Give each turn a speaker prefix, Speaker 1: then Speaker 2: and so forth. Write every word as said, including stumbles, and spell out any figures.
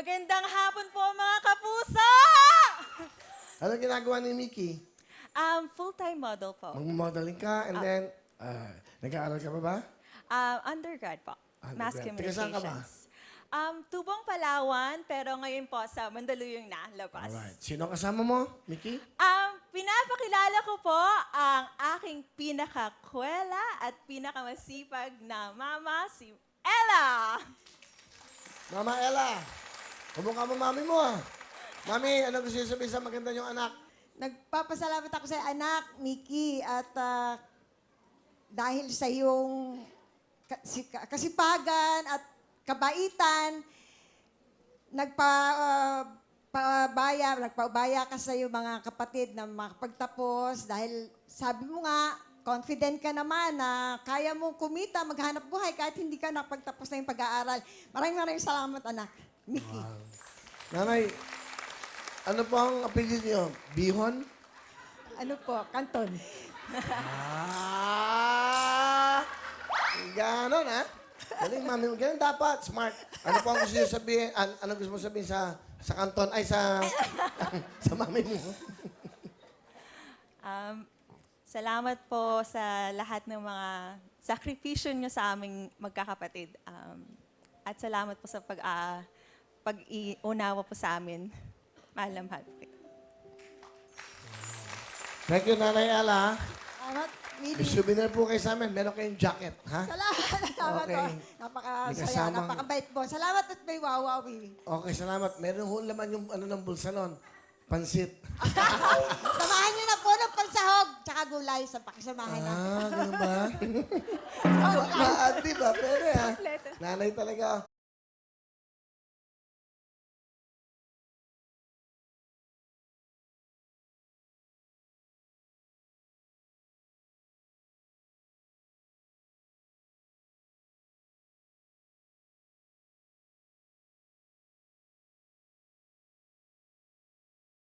Speaker 1: Magandang hapon po mga kapuso!
Speaker 2: Ano ginagawa ni Mickey?
Speaker 1: Um, full-time model po.
Speaker 2: Mag-modeling ka and then, ah, nag-aaral ka pa ba?
Speaker 1: Um, undergrad po. Mass
Speaker 2: Undergrad. Taga saan ka ba?
Speaker 1: Communications. Um, Tubong Palawan, pero ngayon po sa Mandaluyong na, Labas.
Speaker 2: Alright. Sino kasama mo, Mickey?
Speaker 1: Um, pinapakilala ko po ang aking pinakakwela at pinakamasipag na mama, si Ella!
Speaker 2: Mama Ella, kumukha mo mami mo ah. Mami, ano gusto niyo sabihin sa maganda niyong anak?
Speaker 3: Nagpapasalamat ako sa anak, Mickey, at ah, dahil sa iyong kasi- kasipagan at kabaitan, nagpa, ah, pabaya, nagpaubaya ka sa iyong mga kapatid na makapagtapos dahil sabi mo nga, confident ka naman na kaya mong kumita, maghanap buhay kahit hindi ka nakapagtapos na yung pag-aaral. Maraming maraming salamat, anak. Mickey.
Speaker 2: Nanay, ano po ang apelyido niyo? Bihon?
Speaker 3: Ano po, Kanton.
Speaker 2: Ah! Ganon, ha? Galing, mami. Ganon dapat. Smart. Ano po ang gusto niyo sabihin? An ano gusto mo sabihin sa sa kanton? Ay, sa sa mami mo.
Speaker 1: Um, salamat po sa lahat ng mga sakripisyo nyo sa aming magkakapatid. Um, at salamat po sa pag, uh, pag-iunawa po sa amin. Mahal na mahal po kayo.
Speaker 2: Thank you, Nanay Ella.
Speaker 3: Salamat,
Speaker 2: May
Speaker 3: Willie.
Speaker 2: souvenir po kayo sa amin. Meron kayong jacket, ha?
Speaker 3: Salamat, salamat
Speaker 2: Okay.
Speaker 3: po.
Speaker 2: May
Speaker 3: Napakasaya,
Speaker 2: kasamang-
Speaker 3: napakabait po. Salamat at may wawawi.
Speaker 2: Okay, salamat. Meron ho laman yung ano ng bulsa nun. Pansit.
Speaker 3: Samahan niyo na po ng pansahog, tsaka gulay sa pakisamahan natin.
Speaker 2: Ah, ganun ba?
Speaker 3: Oh,
Speaker 2: Maati ba? Pwede, ha? Nanay talaga.